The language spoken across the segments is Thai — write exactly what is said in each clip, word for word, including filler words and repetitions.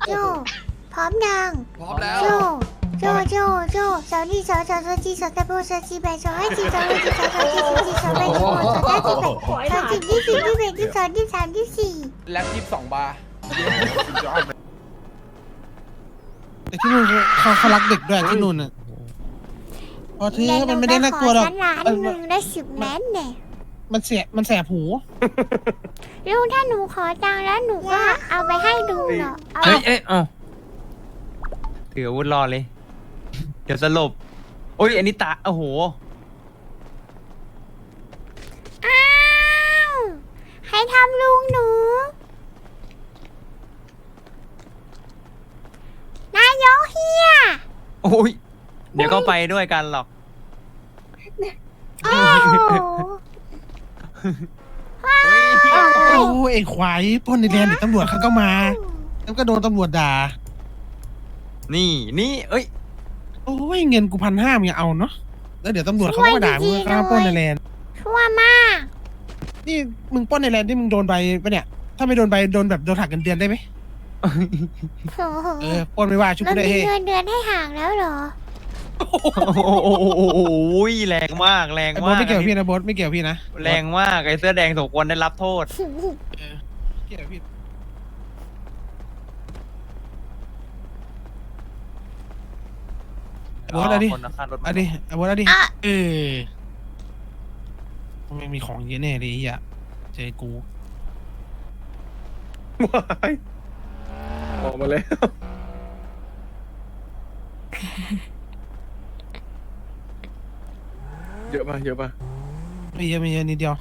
โจพร้อมยังพร้อมแล้วโจโจโจโจสาวนี่สาวสาวสาวจีสาวตะโบสาวจีแบสาวให้จีสาวให้จีสาวสาวจีสาวจีสาวแบสาวสาวจีแบสาวจีที่สี่ที่แบที่สองที่สามที่สี่แล็บยี่สิบสองบาร์แต่ที่นู่นเขาเขารักเด็กด้วยที่นู่นอ่ะพอเธอมันไม่ได้น่ากลัวหรอกฉันล้านหนึ่งได้สิบแมนเนี่ยมันเสียมันแสบหูลุงถ้าหนูขอตังค์แล้วหนูก็เอาไปให้ลุงเหรอเอาเอ้ยเอ้ยเอ้าถืออาวุธรอเลย เดี๋ยวสลบโอ้ยอันนี้ตาโอ้โหอ้าวให้ทำลุงหนูนายกเฮียโอ้ยเดี๋ยวก็ไปด้วยกันหรอกโอ้โหเฮ้ยโอ้ไอ้ควายพ่นในแดนเดี๋ยวตำรวจเขาก็มาแล้วก็โดนตำรวจด่านี่นี่เอ้ยโอ้ยเงินกูพันห้ามึงเอาเนาะแล้วเดี๋ยวตำรวจเขาก็มาด่ามึงข้าปล้นในแลนด์ชั่วมากนี่มึงปล้นในแลนด์ที่มึงโดนใบปะเนี่ยถ้าไม่โดนใบโดนแบบโดนหักเงินเดือนได้ไหมโอ้โหเออปล้นไม่ว่าชุบมันกูได้มีเฮ้เงินเดือนให้ห่างแล้วเหรอโอ้โหแรงมากแรงไอ้บอมาสกไม่เกี่ยวกับพี่นะบอสไม่เกี่ยวกับพี่นะแรงมากไอ้เสื้อแดงสมควรได้รับโทษเกี่ยวกับพี่บอสเอาดิคนละคันรถเอาดิเอาบอสเอาดิอ่ะเออมันมีของเยอะแน่เลยไอ่ะเจอกูว้ายออกมาแล้ว เยอะป่ะเยอะป่ะไม่เยอะไม่เยอะนิดเดียว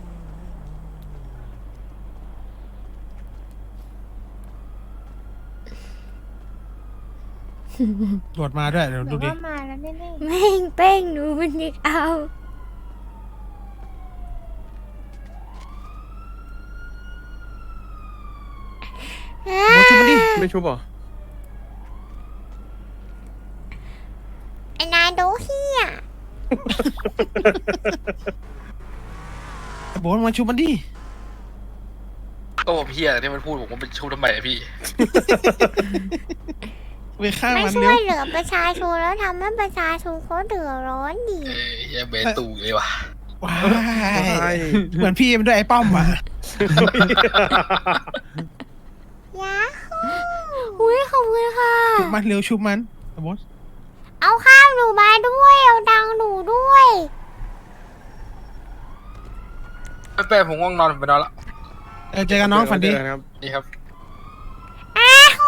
ตรวจมาด้วยเดี๋ยวดูดิมาแล้วแน่ๆแม่งเป้งหนูมันนึกเอาบอสชุบมันดิไม่ชุบเหรอไอ้นายโดเฮียบอสมาชุบมันดิก็ผมเฮียที่มันพูดผมว่าเป็นชูทำไมอะพี่ไปฆ่าไม่มันช่เร็ววยเหลือประชาชนแล้วทำให้ประชาชนเขาเดือดร้อนดิเอ้ยเฮียเบนตูเลยว่ะว้าใช่ยเหมือนพี่มันด้วยไอ้ป้อมอ่ะยาฮูอุ้ยขอบคุณค่ะชุบมันเร็วชุบมันบอสเอาข้าวหนูมาด้วย เอาดังค์หนูด้วยไม่เป็นผมง่วงนอนผมไปนอนละเออเจอกันน้องฝันดีเจอกัครับนี่ครับอ้าว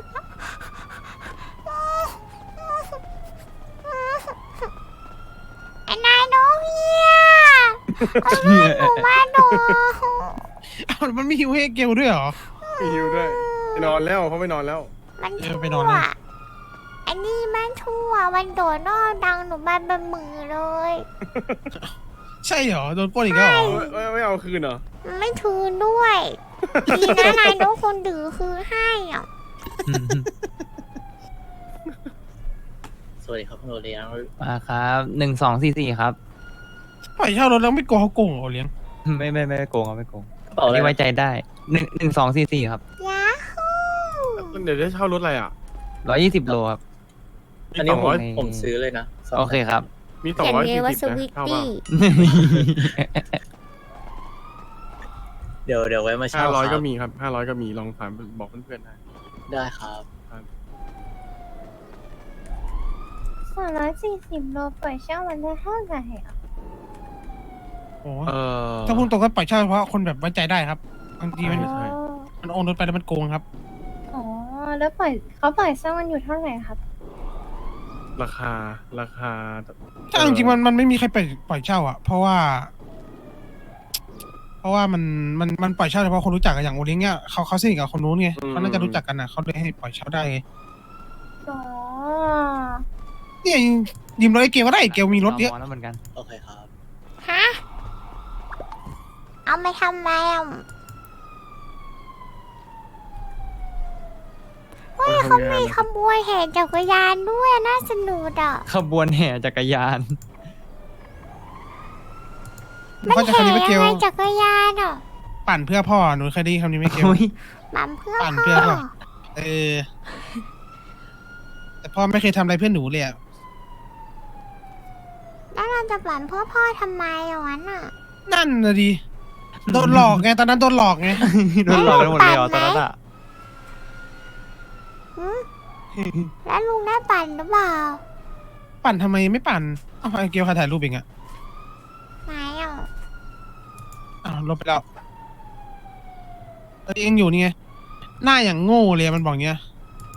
ไอ้นายโดเฮียเอาเลือดหนูมาดูอ้าวมันไม่หิวให้เกลด้วยเหรอมีฮิวด้วยไปนอนแล้วเขาไปนอนแล้วมันเอชั่อวไปนอนเลยอันนี้มันชั่วมันโดดนอกดังหนูมาเป็นมือเลยใช่เหรอโดนปล้นอีกแล้วเหรอไม่ไม่เอาคืนเหรอมันไม่คืนด้วยดีนะนายโดคนดื้อคืนให้อ่ะสวัสดีครับคุณโอเลี้ยงมาครับหนึ่งสองสี่สี่ครับปล่อยเช่ารถแล้วไม่โกงเขาโกงเหรอเลี้ยงไม่ไม่ไม่โกงครับไม่โกงกระเป๋าอะไรนี่ไว้ใจได้หนึ่งหนึ่งสองสี่สี่ครับยาฮูเดี๋ยวจะเช่ารถอะไรอ่ะร้อยยี่สิบโลครับอันนี้สองผร้มอยผมซื้อเลยนะสงโอเคครับมีสองเขียนร้อยเลสี่ยว่าสสิบวินะตเท่าป่ะตี้เดี๋ยวเดี๋ยวไว้มาเช่าห้าร้อยคก็รับมีครับห้าร้อยก็มีลองถามบอกเพื่อนๆได้ได้ครับสองร้อยสี่สิบโลปล่อยเช่าวันละเท่าไหร่อ่ะโอ้เออถ้าพูดตรงก็ปล่อยเช่าเฉพาะคนแบบไว้ใจได้ครับบางทีมันใช่มันโอนรถไปแล้วมันโกงครับอ๋อ แล้วปล่อยเขาปล่อยเช่ามันอยู่เท่าไหร่ครับราคาราคาถ้าเอาจริงๆมันมันไม่มีใครปล่อยปล่อยเช่าอ่ะเพราะว่า เพราะว่ามันมันมันปล่อยเช่าเฉพาะคนรู้จักกันอย่างโอเลี้ยงเนี่ยเขาเขาสนิทกับคนนู้นไงเขาน่าจะรู้จักกันนะเขาเลยให้ปล่อยเช่าได้ไงอ๋อเนี่ยยืมรถไอ้เกลก็ได้ไอ้เกลมีรถเยอะมแล้วเหมือนกันโอเคครับฮะ เอาไปทำไมอ่ะเฮ้ยเขามีขบวนแห่จักรยานด้วยน่าสนุกอ่ะขบวนแห่จักรยานหนูเข้าใจแห่คำนี้ไหมเกยังลไงจักรยานอ่ะปั่นเพื่อพ่อหนูเคยได้ยินคำนี้ไหมเกลโอ้ยมัมเพื่อปั่นพ่เพื่อพ่ออเเออ แต่พ่อไม่เคยทำอะไรเพื่อนหนูเลยอะแล้วเราจะปั่นพ่อพ่อทำไมอ่ะวันอ่ะนั่นนะดิโดนหลอกไงตอนนั้นโดนหลอกไงโดนหลอกกันหมดเลยเหรอตอนนั้นอะหืมแล้วลุงได้ปั่นหรือเปล่าปั่นทำไมไม่ปั่นเอ้าไอเกลใครถ่ายรูปเองอะไหนอ่ะอ้าวลบไปแล้วเออเองอยู่นี่ไงหน้าอย่างโง่เลยมันบอกเงี้ย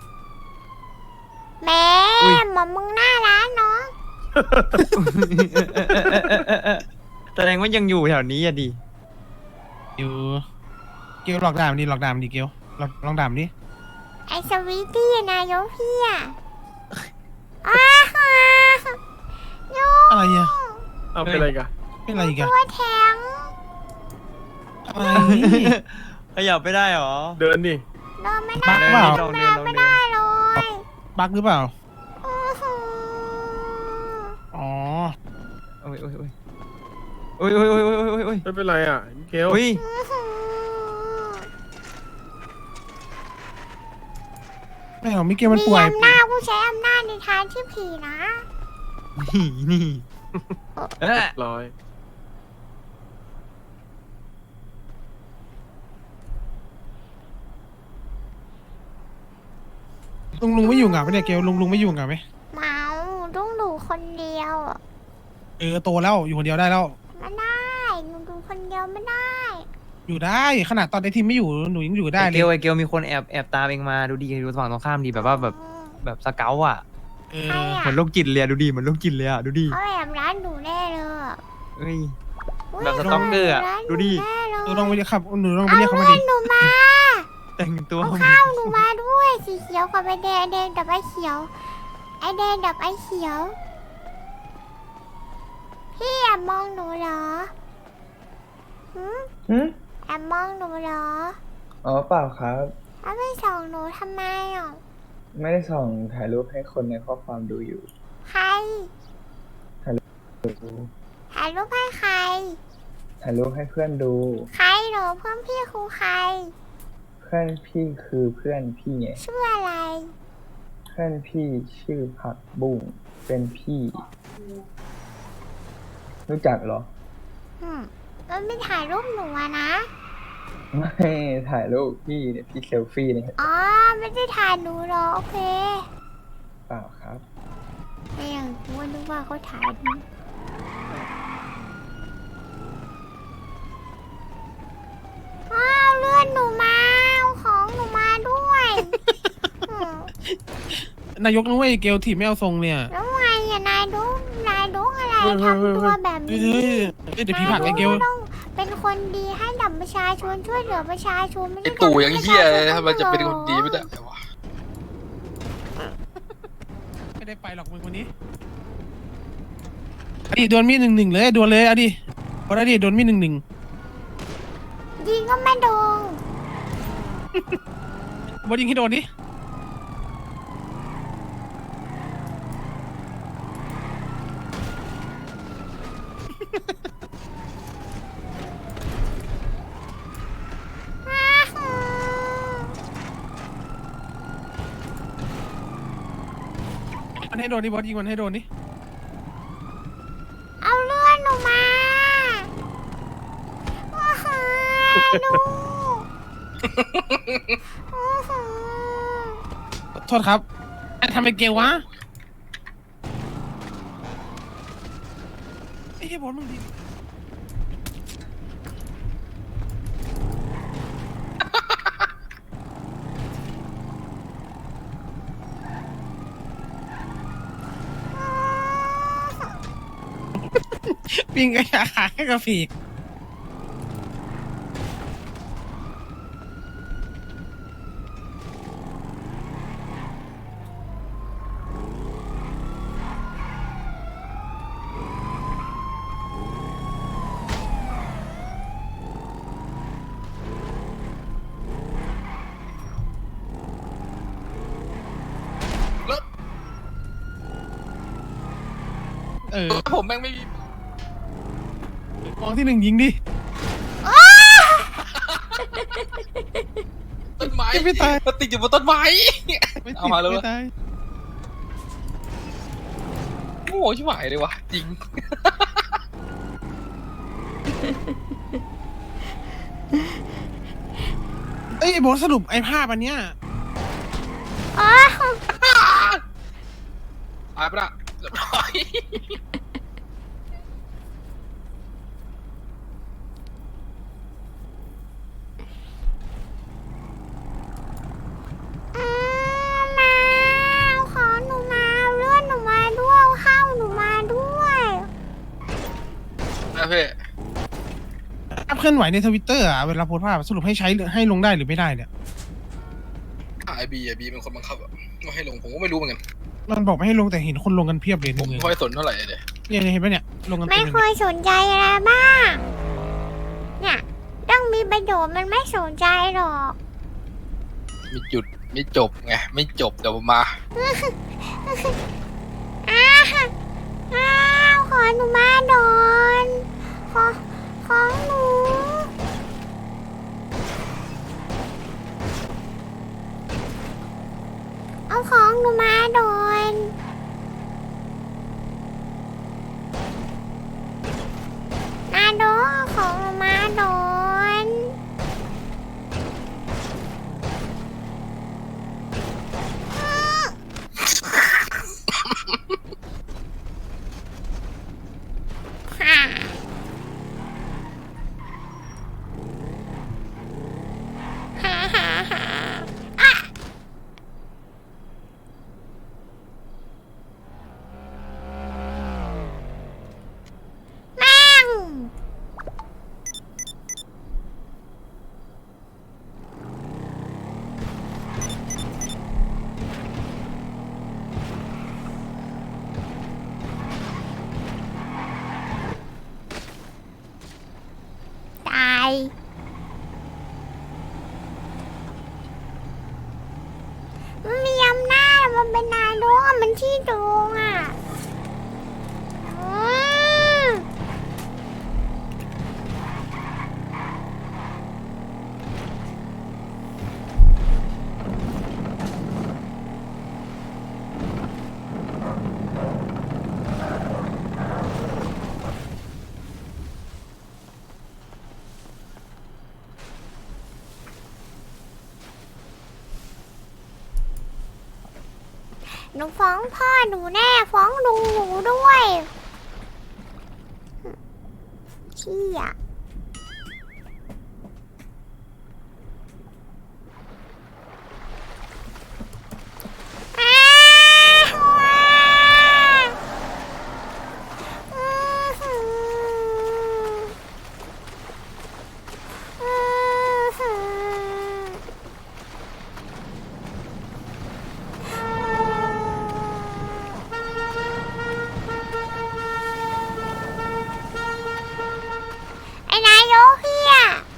แม่หมอมึงน่ารักเนาะแสดงว่ายังอยู่แถวนี้อะดิอยู่เกลหลอกด่ามันดิหลอกด่ามันดิเกลลองลองด่ามันดิไอสวีตตี้นายกพี่อ่ะอ้าฮะยูอะไรอะเอาเป็นอะไรกันเป็นอะไรอีกอะตัวแทงอะไรขยับไม่ได้เหรอเดินดิเดินไม่บัได้กเปล่าลองเดิเดินนลองไม่เดิได้นเลยบักหรือเปล่าอื้อหืออ๋อโอ้ยโอ้ยโอ้ยโอ้ยโอ้ยโอ้ยโอ้ยโอ้ยโอ้ยไม่เป็นไรอ่ะเกลโอ้ยอื้อหือไม่หรอกมิเกลมันมีป่วยอำนาจผู้ใช้อำนาจในทางที่ผีนะนี่นี่เอ๊ะร้อยลุงลุงไม่อยู่เหงาไหมเนี่ยเกลลุงลุงไม่อยู่เหงาไหมเมาต้องดูคนเดียวอะเออโตแล้วอยู่คนเดียวได้แล้วไม่ได้หนูดูคนเดียวไม่ได้อยู่ได้ขนาดตอนไอทีมไม่อยู่หนูยังอยู่ได้ไอเลเกลยไอเกลมีคนแอบแอบตามเองมาดูดีดูฝั่งตรงข้ามดีแบบว่าแบบแบบสเกลอะเอใครออะเหมือนโรคจิตเลยอะดูดีเหมือนโรคจิตเลยอะดูดีเขาแอบร้านหนูแน่เลยอะเอ้ยอุ๊ยแบบสต็อกเกอร์อะร้านหนูดูดิแน่เลยหนูลองไปเรียกครับหนูลองไปเอาเรียกเขามาเงิดินหนูมาแต่งตัวเอาข้าวหนูมาด้วยสีเขียวกับไอแดงแดงกับไอเขียว ไอแดงกับไอเขียว พี่แอบมองหนูเหรอหืมหืมแอบมองหนูเหรออ๋อเปล่าครับแล้วไม่ส่องหนูทำไมอ่ะไม่ได้ส่องถ่ายรูปให้คนในข้อความดูอยู่ใครดูถ่ายรูปให้ใครถ่ายรูปให้เพื่อนดูใครเหรอเพื่อนพี่คือใครเพื่อนพี่คือเพื่อนพี่ไงชื่ออะไรเพื่อนพี่ชื่อผักบุ้งเป็นพี่ รู้จักเหรออืมมันไม่ถ่ายรูปหนูอะนะไม่ถ่ายรูปพี่เนี่ยพี่เซลฟี่เนี่ยอ๋อ ไม่ได้ถ่ายหนูเหรอ โอเคเปล่าครับไม่อย่างกูนึกว่าเขาถ่ายหนูอ้าวเลื่อนหนูมาเอาของหนูมาด้วยอืมนายกนึกว่าไอเกลทีมไม่เอาทรงเนี่ยแล้วไงอะนายดูนายดูอะไรทำตัวแบบเฮ้ยนี้เฮ้ยเฮ้ยเดี๋ยวพี่ผลักไอเกลนายดูต้องเป็นคนดีให้ดับประชาชนช่วยเหลือประชาชนไม่ไอใช่ตู่ยังเฮียเลยทำทำไมจะเป็นคนดีไม่ได้วะไม่ได้ไปหรอกมึงคนนี้อดีดวลมีดหนึ่งหนึ่งเลยดวลเลยเอาดิพอได้ดิดวลมีดหนึ่งหนึ่งยิงก็ไม่โดนบอลยิงให้โดนดิ มันให้โดนดิบอสยิงมันให้โดนดิเอาเลื่อนหนูมาโอ้โหดูโอ้โหโทษครับไอ้ทำไมเกลวะไอ้เหี้ยบอสมึงดีปิงกระยาขาให้กระฝีกเออผมแม่งไม่มีมองที่หนึ่งยิงดิต้นไม้ไม่ตายมันติดอยู่บนต้นไม้ไม่ติดเอามาเลยไม่ตายโง่ชิบหายเลยวะจริงเอ้ยโบทสรุปไอ้ภาพอันเนี้ยอ๋อตายไปละเรียบร้อยอืมมาเอาของหนูมาเอาเลือดหนูมาด้วยเอาข้าวหนูมาด้วยนะพี่ภาพเคลื่อนไหวในทวิตเตอร์อะเวลาโพสต์ภาพสรุปให้ใช้หรือให้ลงได้หรือไม่ได้เนี่ยไอบีไอบีเป็นคนบังคับอะว่าให้ลงผมก็ไม่รู้เหมือนกันมันบอกไม่ให้ลงแต่เห็นคนลงกันเพียบเลยผมเนี่ยไม่ค่อยสนเท่าไหร่เลยเนี่ยเห็นปะเนี่ยลงกันไม่เต็มเคเลยยสนใจอะไรบ้างเนี่ยต้องมีประโยชน์มันไม่สนใจหรอกมีจุดไม่จบไงไม่จบเดี๋ยวผมมาอ้าวอ้าวขอหนูมาโดนขอของหนูเอาของหนูมาโดนนาโดเอาของหนูมาโดนฮ่าฮ่าฮ่าฮ่าอ่ะแม่งตายมันมีอำนาจมันเป็นนายกอะมันที่โกงอ่ะอืมหนูฟ้องพ่อหนูแน่ฟ้องลุงหนูด้วยขี้อ่ะอ้าวอื้อหืออื้อหือ ไอ้นายกเฮีย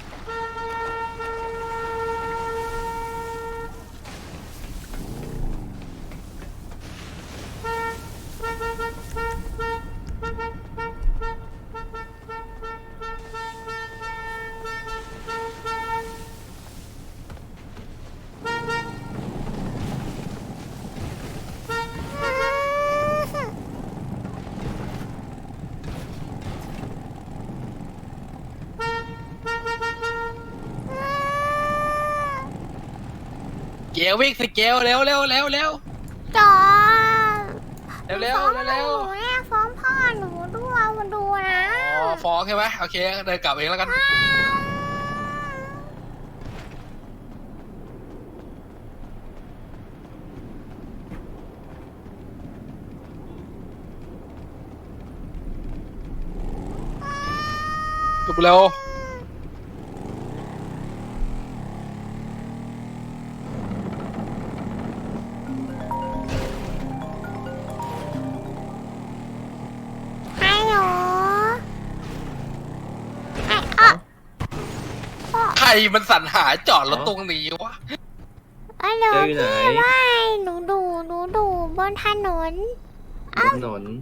เกลวิ่งสิเกลเร็วเร็วเร็วเร็วจอเร็วเร็วฟ้องเร็วหนูแน่ฟ้องพ่อหนูด้วยมาดูนะอ๋อฟ้องใช่ไหมโอเคเดินกลับเองแล้วกันจบเร็วฮัลโหลไอ้อ๊ะใครมันสรรหาจอดรถตรงนี้วะฮัลโหลเจออยู่ไหนพี่ว่าหนูดูหนูดูบนถนนบนถนน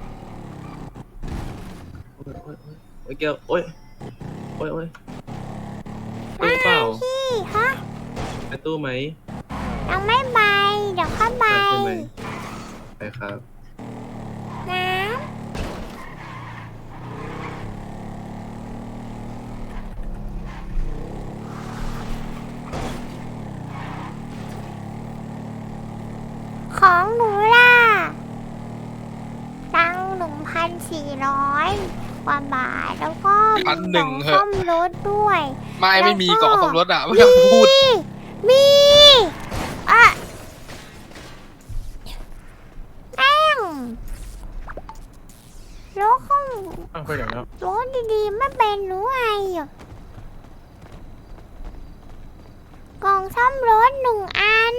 โอ้ยโอ้ยโอ้ยโอ้ยเกลโอ้ยโอ้ยโอ้ยโอ้ยเปล่าพี่ฮะไปตู้ไหมยังไม่ไปเดี๋ยวเข้าไปไปใช่ไหมไปครับน้ำของหนูล่ะตังหนึ่งพันสี่ร้อยกว่าบาทแล้วก็พันหนึ่งเหซ่อะอมรถด้วยไม่ไม่มีกล่องสมรสอ่ะไม่ต้องพูดมีอะแม่งรถของอ้าวไปไหนแล้วรถดีๆไม่เป็นหรือไงอ่ะกล่องซ่อมรถหนึ่งอัน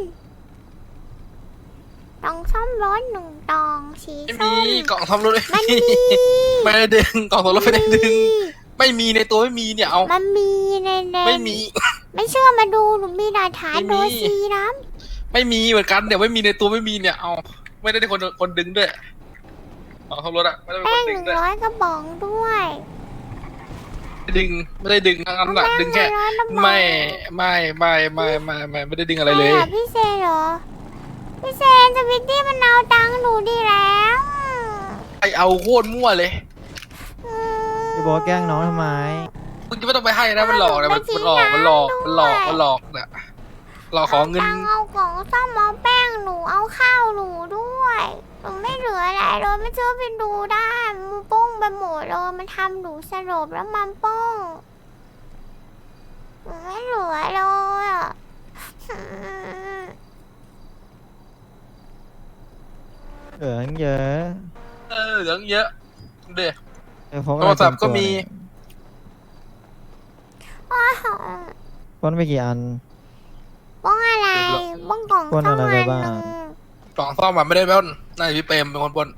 กล่องซ่อมรถหนึ่งตองสีไม่ส้มีมกล่องสมรสมันมีไม่ได้ดึงกล่องสมรสไม่ได้ดึง ไม่มีในตัวไม่มีเนี่ยเอามันมีในในไม่มีไม่เชื่อมาดูหนูมีหลักฐานไม่โดมีซีนะไม่มีเหมือนกันเดี๋ยวไม่มีในตัวไม่มีเนี่ยเอาไม่ได้คนคนดึงด้วยกล่องสมรสอะไม่ได้เป็นแป้คนงหดึงนึ่งด้วยร้อยกระป๋องด้วยดึงไม่ได้ดึงทั้งนั้นแหละดึงแค่แป้งหนึ่งร้อยกระป๋องไม่ไม่ไม่ไม่ไม่ไม่ไม่ได้ดึงอะไรเลยใคอะพี่เซนเหรอ พี่เซนสวิตตี้มันเอาตังค์หนูดีแล้วไอเอาโคตรมั่วเลยอืมพี่โบอกแกล้งน้องทำไมมึงจะไม่ต้องไปให้นะมันหลอกนะมันมันหลอกมันหลอกมันหลอกมันหลอกเนี่ยหลอกขอเงินตังค์เอาของซ่อมเอาแป้งหนูเอาข้าวหนูด้วยหนูไม่เหลืออะไรเลยไม่เชื่อไปดูได้มันป้องไปหมดเลยมันทำหนูสลบแล้วมันป้องหนูไม่เหลือเลยอ่ะอืมเหลือตั้งเยอะเออเหลืองเยอะเด็กเดี๋ยวพกโทรศัพท์ก็มีอ้าวป้นไปกี่อันป้องอะไรป้องกล่องป้นซ่อมอะไรอันไปบ้างหนึ่งกล่องซ่อมมาไม่ได้ปล้นนายพี่เปรมเป็นคนปล้น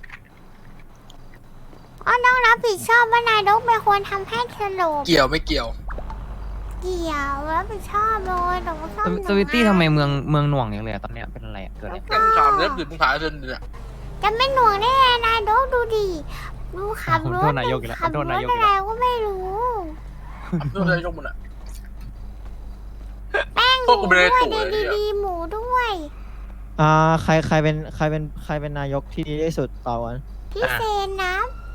อ้าวต้องรับผิดชอบว่านายดกเป็นคนทำให้สลบเกี่ยวไม่เกี่ยวเกี่ยวรับผิดชอบเลยแต่ว่าซ่อมสวิตตี้ทำไมเมืองเมืองหน่วงอย่างเลยอะตอนเนี้ยเป็นอะไรอะเกิดอะไรแค่ถามเรื่องอื่นมึงถามเรื่องอื่นเนี่ยจะไม่หน่วงได้ไงนายดกดูดิดูขับรถโทษนายกอีกแล้วขับโทรษถนายกอะอีกไรแล้วก็ไม่รู้เรื่องอะไรยกมันอะแป้งหพวมูกกูไม่ด้ได้วยตั๋วเลยดีเนี่ยดีๆหมูด้วยอ่าใครใครเป็นใครเป็นใครเป็นนายกที่ดีที่สุดต่อวันพี่เซนนะ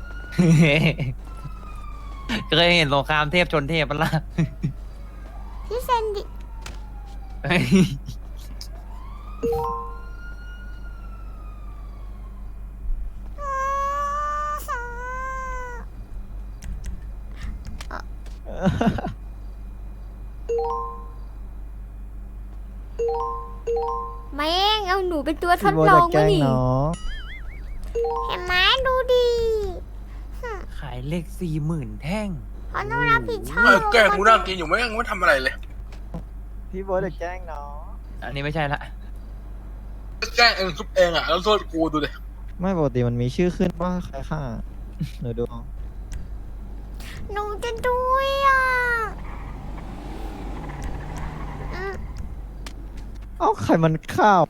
เคยเห็นสงครามเทพชนเทพปะล่ะพี่เซนดิ แม่งเอาหนูเป็นตัวทพี่ดโบลจะองแกล้วะงนี่น้องเห็นไหมดูดิขายเลขสี่หมื่นแท่งเขาต้องรับผิดชอเออบ แกล้งกูนั่งกินอยู่ไม่ยังไม่ทำอะไรเลยพี่โบจะแกล้งน้องอันนี้ไม่ใช่ละแกล้งเองซุปเองอะแล้วโทษกูดูดิไม่ปกติมันมีชื่อขึ้นว่าใครฆ่าหนูดูเอาหนูจะด้วยอ่ะอืมเอ้าใครมันข้าว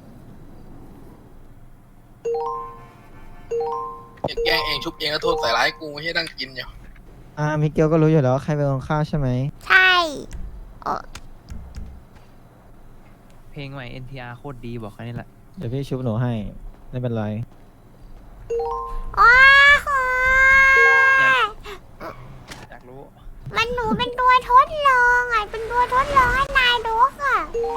แกล้งเองชุบเองแล้วโทษใส่ร้ายกูให้นั่งกินอยู่อ่ามิเกลก็รู้อยู่แล้วว่าใครเป็นคนฆ่าใช่ไหมใช่เออเพลงใหม่ เอ็น ที อาร์ โคตรดีบอกแค่นี้แหละเดี๋ยวพี่ชุบหนูให้ไม่เป็นไรว้าวอยากรู้มันหนูเป็นตัวทดลองอ่ะเป็นตัวทดลองให้นายดกอ่ะ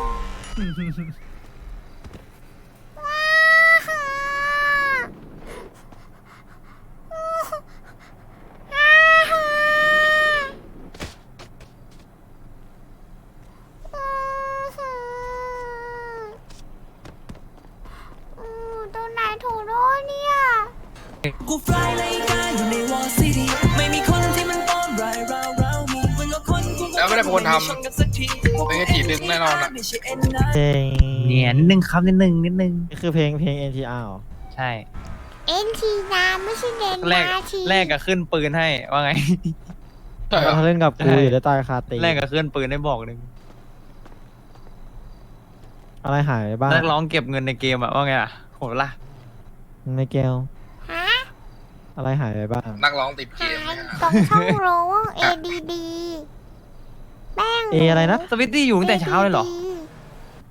ว้าวตัวไหนถูกโดนเนี่ยกูฟลายรายการอยู่ในวอลซิตี้ไม่มีคนที่มันป้อมรายราวเรามีมึงก็คนกูแล้วไม่ได้เป็นคนทำเป็นแค่จีบดึงแน่นอนอะเพลงเนี่ยนิดนึงครับนิดนึงนิดนึงนี่คือเพลงเพลง เอ็น ที อาร์ เหรอใช่เอ็นทีนาไม่ใช่เดนแรกนาทีแรกก็ขึ้นปืนให้ว่าไงใช่เหรอเขาเล่นกับกูใช่อยู่ได้ตายคาตีแรกก็ขึ้นปืนให้บอกหนึ่งอะไรหายไปบ้างนักร้องเก็บเงินในเกมอะว่าไงอะโหล่ะไม่เกลฮะอะไรหายไปบ้างนักร้องติดเกหาม ยเนี่ยตรงช่องโรว เอ ดี ดี แป้งเออะไรนะสวิตตี้อยู่ตั้งแต่เช้าเลยเหรอเอดีดี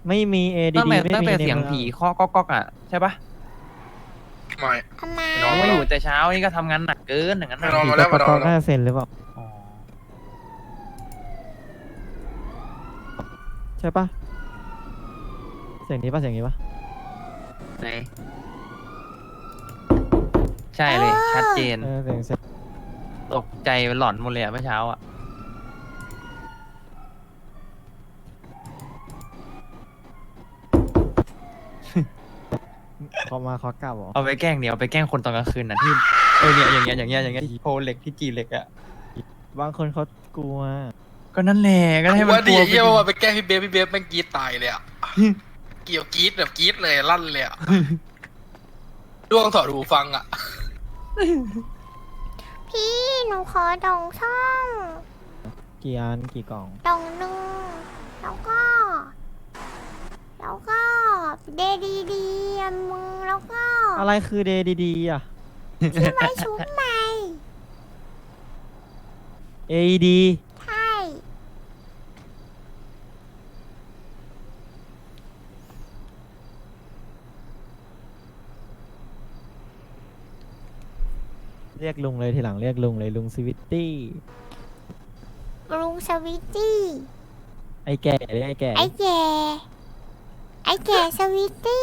ไม่มี เอ ดีตั้งดีแต่ไม่ตั้งมีแต่ในเสียงมืองผีเคาะก๊อกก๊อกอ่ะใช่ปะไม่ทำไมน้องมาอยู่แต่เช้านี่ก็ทำงานหนักเกินอย่างนั้นไม่น่ะนอนผีมาแล้วก็มานก็อนน่าแล้วจะเซ็นหรือเปล่าอ๋อใช่ปะเสียงนี้ปะเสียงนี้ปะไหนใช่เลยชัดเจนเออเสียงเสียงตกใจหลอนหมดเลยอะเมื่อเช้าอ่ะเขามาเขากลับเหรอเอาไปแกล้งเดี๋ยวเอาไปแกล้งคนตอนกลางคืนน่ะที่เออเนี่ยอย่างเงี้ยอย่างเงี้ยอย่างเงี้ยที่โพเหล็กที่จีเหล็กอ่ะบางคนเขากลัวก็นั่นแหละก็ให้มันว่าก ดีลัวเยี่ยไปว่าไปแกล้งพี่เบฟพี่เบฟแม่งกรีดตายเลยอ่ะ เกี่ยวกรีดแบบกรีดเลยลั่นเลยอ่ะด้วงถอดหูฟังอ่ะพี่หนูขอดองช่องกี่อันกี่กล่องดองหนึ่งแล้วก็ แล้วก็เดดีดีอันมึงแล้วก็อะไรคือเดดีดีอ่ะที่ไว้ชุบใหม่เอ ดีใช่เรียกลุงเลยทีหลังเรียกลุงเลยลุงสวิตตี้ลุงสวิตตี้ไอ้แก่เรียกไอ้แก่ไอ้แก่ไอ้แก่สวิตตี้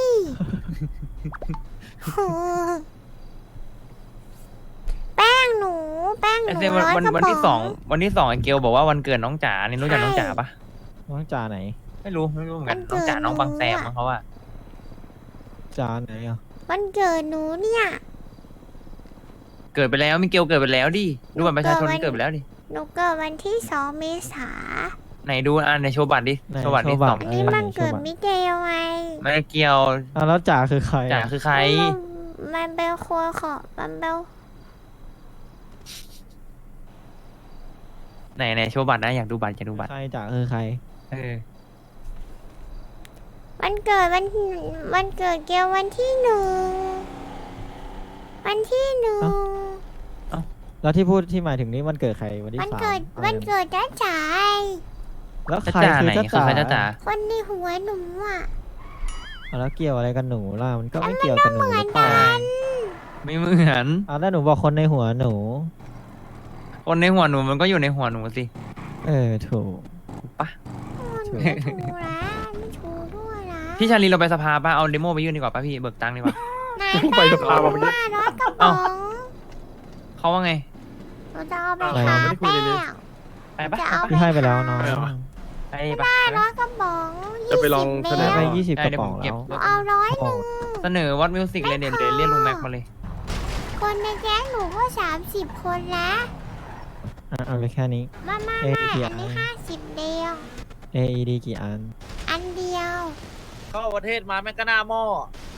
แป้งหนู แป้งหไอ้นูเซวันร้อยวันกระวันป๋ที่สองวันที่สองไอ้เกลบอกว่าวันเกิดน้องจ๋านี่รู้จักน้องจ๋าปะน้องจ่าไหนไม่รู้ไม่รู้เหมือนกันน้องจ๋าน้องบางแซมมั้งเขาว่าจ่าไหนอ่ะวันเกิดหนูเนี่ยเกิดไปแล้วมิเกลเกิดไปแล้วดิดูบัตรประชาชนเกิดวันเกิดไปแล้วดิหนูเกิดวันที่สองเมษาไหนดูอ่ะในโชว์บัตรดิไหนโชว์บัตรดิโชว์บัตรสองอันนี้มันเกิดมิเกลไงไม่ได้เกี่ยวอ่ะแล้วจ่าคือใครจ๋าอ่ะคือใครมันเป็นครัวของมันเป็นไหนไหนโชว์บัตรนะอยากดูบัตรอยากดูบัตรใครจ่าคือใครเออวันเกิดวันวันเกิดเกลวันที่หนึ่งวันที่หนึ่งแล้วที่พูดที่หมายถึงนี้วันเกิดใครวันที่วันสามเกิดอะไรวันเกิดจ้าจ๋าแล้วจ้าใครจ๋าคือไหนจ้าคือจ๋าใครจ้าจ๋าคนในหัวหนูอ่ะอ่ะแล้วเกี่ยวอะไรกับหนูล่ะมันก็ไม่เกี่ยวกับหนูหรือเปล่าไม่เหมือนอ่ะแล้วหนูบอกคนในหัวหนูคนในหัวหนูมันก็อยู่ในหัวหนูสิเออถูกถูกปะโอ้หนูไม่ถูกนะไม่ถูกด้วยนะพี่ชาลีเราไปสภาป่ะเอาเดโมไปยื่นดีกว่าป่ะพี่เบิกตังค์ดีกว่านายไปสภามาเมื่อกี้ว่ารถกระป๋องเขาว่าไงหนูจะเอาไปอะไรทาไม่ได้คุยแป้เลยงไปปะจะเอาพี่ให้ไปแล้วเนาะไม่เอาไปปะรถกระป๋องจะไปลองยี่แสสิบดเมงตไปรยี่สิบได้กระป๋องเดี๋แล้ยววผมเก็บเอาร้อยหนึ่งเสนอวัดมิวสิกเลยเดี๋ยวเดี๋ยวเรียกลุงแม็กมาเลยคนในแก๊งหนูก็สามสิบคนแล้วอ่ะเอาไปแค่นี้มามาเอ๊ะมากี่อันนี้อันห้าสิบเดียวเอ ดี กี่อันอันเดียวเข้าประเทศมาแม่งก็หน้าหม้อ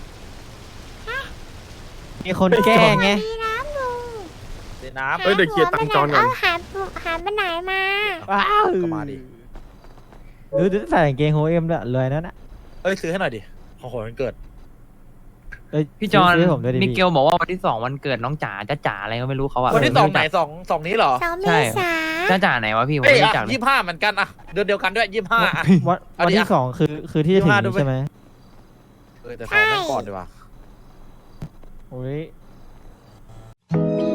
มีคนแกล้งไงมีน้ำลุงเดี๋ยวน้เอ้ยเดี๋ยวเคลียร์ตังค์จอนก่อนเอาหาหาไปไหนมาว้าวำก็มาดิดูดูใส่กางเกงโฮเอ็มด้วยรวยนั่นน่ะเอ้ยซื้อให้หน่อยดิ ของขวัญวันเกิดเอ้ยพี่จอนซื้ให้ผมด้วยดิมิพี่เกลบอกว่าวันที่สองวันเกิดน้องจ๋าจ้าจ๋าอะไรก็ไม่รู้เขาอะวันที่สองไหนสองสองนี้เหรอสองเมใช่ษาจ้าจ๋าไหนวะพี่ผมเอ้ยไม่รู้จักเลยยี่ห้าเหมือนกันอะเดือนเดียวกันด้วยยี่ห้าวันเอาวันดิที่อ่ะสองคือคือที่จะถึงยี่สิบห้าดูนี้ไปใช่ไหมเออแต่สองนั้นก่อนดีกว่าโอ้ย